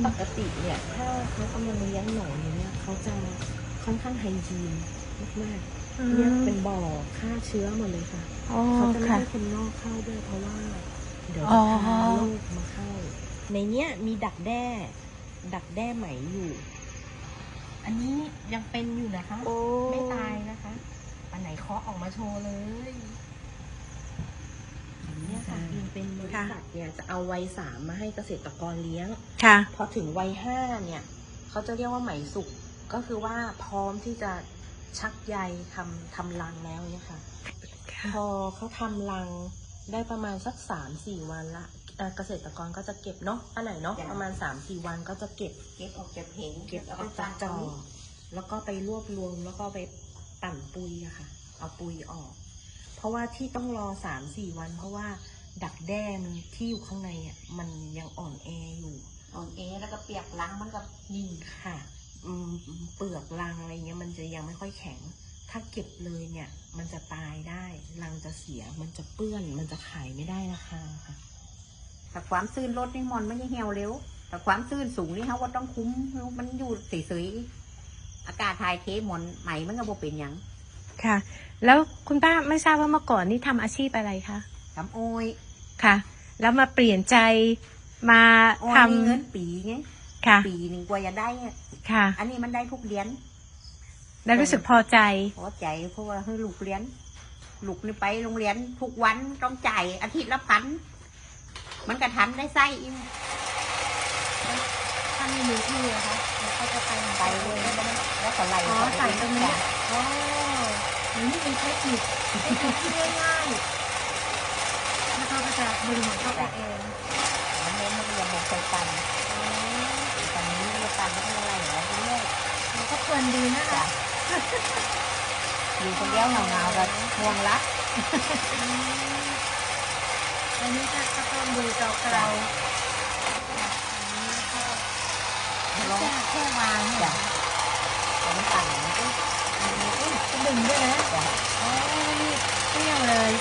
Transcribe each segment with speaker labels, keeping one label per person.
Speaker 1: ปกติเนี่ยถ้าเขากำลังเลี้ยงหนอนอยู่เนี่ยเขาจะค่อนข้างไฮจีนมากๆเนี่ยเป็นบ่อฆ่าเชื้อหมดเลยค่ะเขาจะไม่ให้คนนอกเข้าด้วยเพราะว่าเดี๋ยวจะพาโรคมาเข้าในเนี้ยมีดักแด้ไหมอยู่อันนี้ยังเป็นอยู่นะคะไม่ตายนะคะอันไหนเคาะออกมาโชว์เลยเนี่ยค่ะเป็นบริษัทเนี่ยจะเอาวัย3มาให้เกษตรกรเลี้ยงพอถึงวัย5เนี่ยเขาจะเรียกว่าไหมสุกก็คือว่าพร้อมที่จะชักใยทำรังแล้วเนี่ยค่ะพอเขาทำรังได้ประมาณสัก 3-4 วันละเกษตรกรก็จะเก็บเนาะอันไหนเนาะประมาณ 3-4 วันก็จะเก็บออกจากเก็บออกจากจอแล้วก็ไปรวบรวมแล้วก็ไปปั่นปุยอะค่ะเอาปุยออกเพราะว่าที่ต้องรอ 3-4 วันเพราะว่าดักแด้มันที่อยู่ข้างในอ่ะมันยังอ่อนแออยู่แล้วก็เปียกรังมันก็นิ่งค่ะเปลือกรังอะไรเงี้ยมันจะยังไม่ค่อยแข็งถ้าเก็บเลยเนี่ยมันจะตายได้รังจะเสียมันจะเปื้อนมันจะขายไม่ได้ราคาค่ะ
Speaker 2: แต่ความซื่นลดนี่มันไม่ใช่เหี่ยวเร็วแต่ความซื่นสูงนี่เขาก็ต้องคุ้มมันอยู่เฉยๆอากาศถ่ายเทหมอนไหมมันก็บ่เป็นอย่าง
Speaker 3: ค่ะแล้วคุณป้าไม่ทราบว่าเมื่อก่อนนี่ทำอาชีพอะไรคะ
Speaker 2: ทำโอย
Speaker 3: ค่ะแล้วมาเปลี่ยนใจมาทำ
Speaker 2: เงินปีไง
Speaker 3: ค่ะ
Speaker 2: ปีหนึ่งกว่าจะได้
Speaker 3: ค่ะ
Speaker 2: อันนี้มันได้ทุกเดือน
Speaker 3: แล้วรู้สึกพอใจ
Speaker 2: เพราะว่าให้ลูกเรียนลูกนี่ไปโรงเรียนทุกวันต้องจ่ายอาทิตย์ละ1,000มันกระทันได้ไส้อีก
Speaker 3: ถ้าไม่มีที่อะคะเขาจะไป
Speaker 2: เลยแล้วก็ไล่
Speaker 3: ใส่ตรงนี้นี่เป็นเทคนิคที่ง่ายๆแล้วเขาก็จะดึงของเขาไปเอง
Speaker 2: มันเน้นมันเรียนแบบใส่กันตอนนี้เรียนกันไม่เป็นไรหรอกเรื่อย
Speaker 3: มันก็เพลินดีนะคะ
Speaker 2: อยู่คนเดียวเหงาๆแบบห่วงรัก
Speaker 3: อันนี้ก็ต้องดูจอเรา
Speaker 2: แค่วางเนี่ยแต่มันต่างมันก็
Speaker 3: ดึงด้วยนะอ๋อนี่เปรี้ยวเลย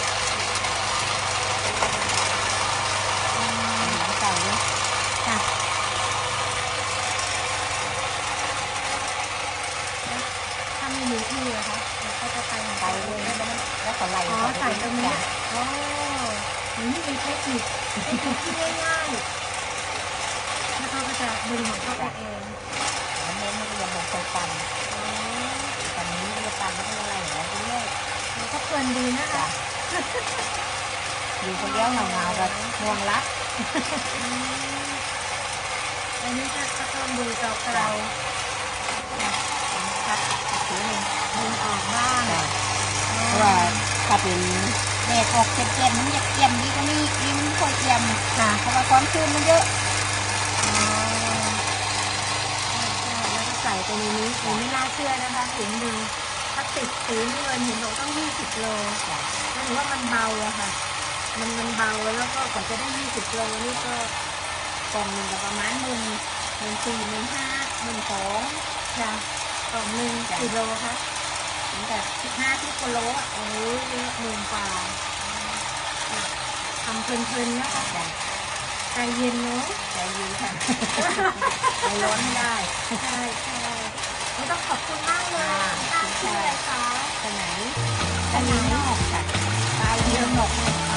Speaker 2: หนังไก่ด้วย
Speaker 3: ค่ะถ้าไม่มีที่อะคะเขาจะไป
Speaker 2: เลยแล้วก็ไล่
Speaker 3: ใส่ตรงนี้นี่เป็นเทคนิคที่ง่ายๆแล้วเขาก็จะดึงของเขาไปเอง
Speaker 2: มันเน้นมันเรียนแบบใส่กันตอนนี้เรียนกันไม่เป็นไรหรอกเรื่อย
Speaker 3: มันก็เพลินดีนะคะ
Speaker 2: อยู่คนเดียวเหงาๆแบบห่วงรัก
Speaker 3: อันนี้ก็ต้องดูจอเรา
Speaker 2: ครับถือ
Speaker 3: ดึงออกบ้าง
Speaker 2: เพราะว่าถ้าเป็นเด็กออกเจ็บๆมันจะเกี่ยมดีก็นี่มันค่อยเกี่ยม
Speaker 3: ค่ะ
Speaker 2: เพราะว่าความชื้นมันเยอะ
Speaker 3: แล้วก็ใส่ไปในนี้ไม่น่าเชื่อนะคะถุงนึงพลาสติกสีเงินเห็นบอกต้อง20 โลนั่นถือว่ามันเบาอะค่ะมันเบาแล้วก็กว่าจะได้20 โลนี่ก็
Speaker 2: กล่องหนึ่งก็ประมาณ14,000 15,000 12,000
Speaker 3: ค่ะกล่องนึงกี่โลคะ
Speaker 2: ตั้งแต่15-10 กิโลอ่ะ
Speaker 3: โอ้ยเยอะ10,000 กว่าทำเพลินๆนะคะใจเย็นเนาะ
Speaker 2: ใจเย็นค่ะใจร้อนไม่ได้
Speaker 3: ใช่ไม่ต้องขอบคุณมากเลยชื่ออะไรคะ
Speaker 2: สนามนอกค่ะปลายเดือนหนก